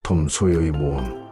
톰 소요의 모험.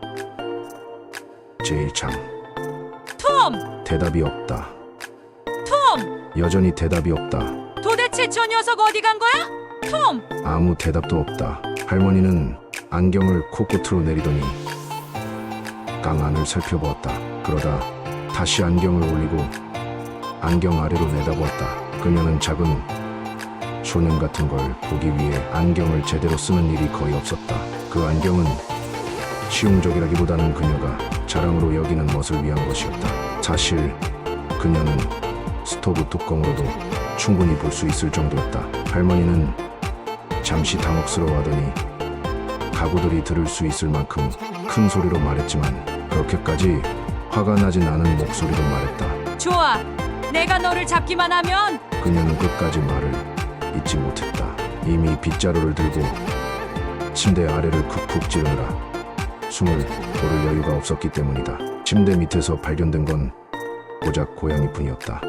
제1창. 톰! 대답이 없다. 톰! 여전히 대답이 없다. 도대체 저 녀석 어디 간 거야? 톰! 아무 대답도 없다. 할머니는 안경을 코끝으로 내리더니 강 안을 살펴보았다. 그러다 다시 안경을 올리고 안경 아래로 내다보았다. 그녀는 작은 소년 같은 걸 보기 위해 안경을 제대로 쓰는 일이 거의 없었다. 그 안경은 실용적이라기보다는 그녀가 자랑으로 여기는 멋을 위한 것이었다. 사실 그녀는 스토브 뚜껑으로도 충분히 볼 수 있을 정도였다. 할머니는 잠시 당혹스러워하더니 가구들이 들을 수 있을 만큼 큰 소리로 말했지만 그렇게까지 화가 나진 않은 목소리로 말했다. 좋아. 내가 너를 잡기만 하면 그녀는 끝까지 말을 잊지 못했다. 이미 빗자루를 들고 침대 아래를 쿡쿡 찌르느라 숨을 고를 여유가 없었기 때문이다. 침대 밑에서 발견된 건 고작 고양이뿐이었다.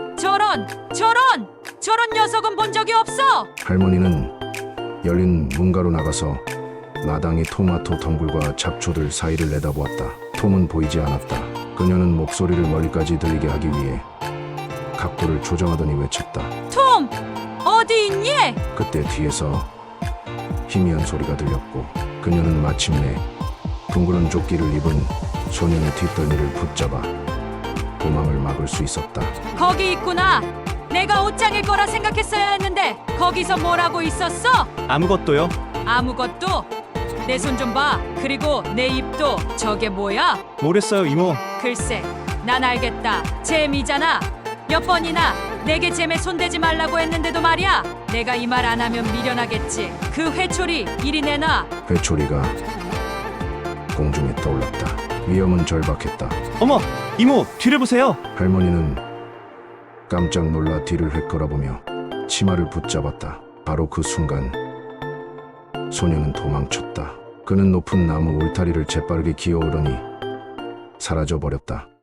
저런 녀석은 본 적이 없어. 할머니는 열린 문가로 나가서 마당의 토마토 덩굴과 잡초들 사이를 내다보았다. 톰은 보이지 않았다. 그녀는 목소리를 멀리까지 들리게 하기 위해 각도를 조정하더니 외쳤다. 톰! 어디 있니? 그때 뒤에서 희미한 소리가 들렸고 그녀는 마침내 둥그런 조끼를 입은 소년의 뒷덜미를 붙잡아 도망을 막을 수 있었다. 거기 있구나. 내가 옷장일 거라 생각했어야 했는데 거기서 뭘 하고 있었어? 아무것도요. 아무것도? 내 손 좀 봐. 그리고 내 입도. 저게 뭐야? 모르겠어요, 이모. 글쎄, 난 알겠다. 잼이잖아. 몇 번이나 내게 잼에 손대지 말라고 했는데도 말이야. 내가 이 말 안 하면 미련하겠지. 그 회초리 이리 내놔. 회초리가 공중에 떠올랐다. 위험은 절박했다. 어머, 이모, 뒤를 보세요. 할머니는 깜짝 놀라 뒤를 휘끌어보며 치마를 붙잡았다. 바로 그 순간 소녀는 도망쳤다. 그는 높은 나무 울타리를 재빠르게 기어오르니 사라져버렸다.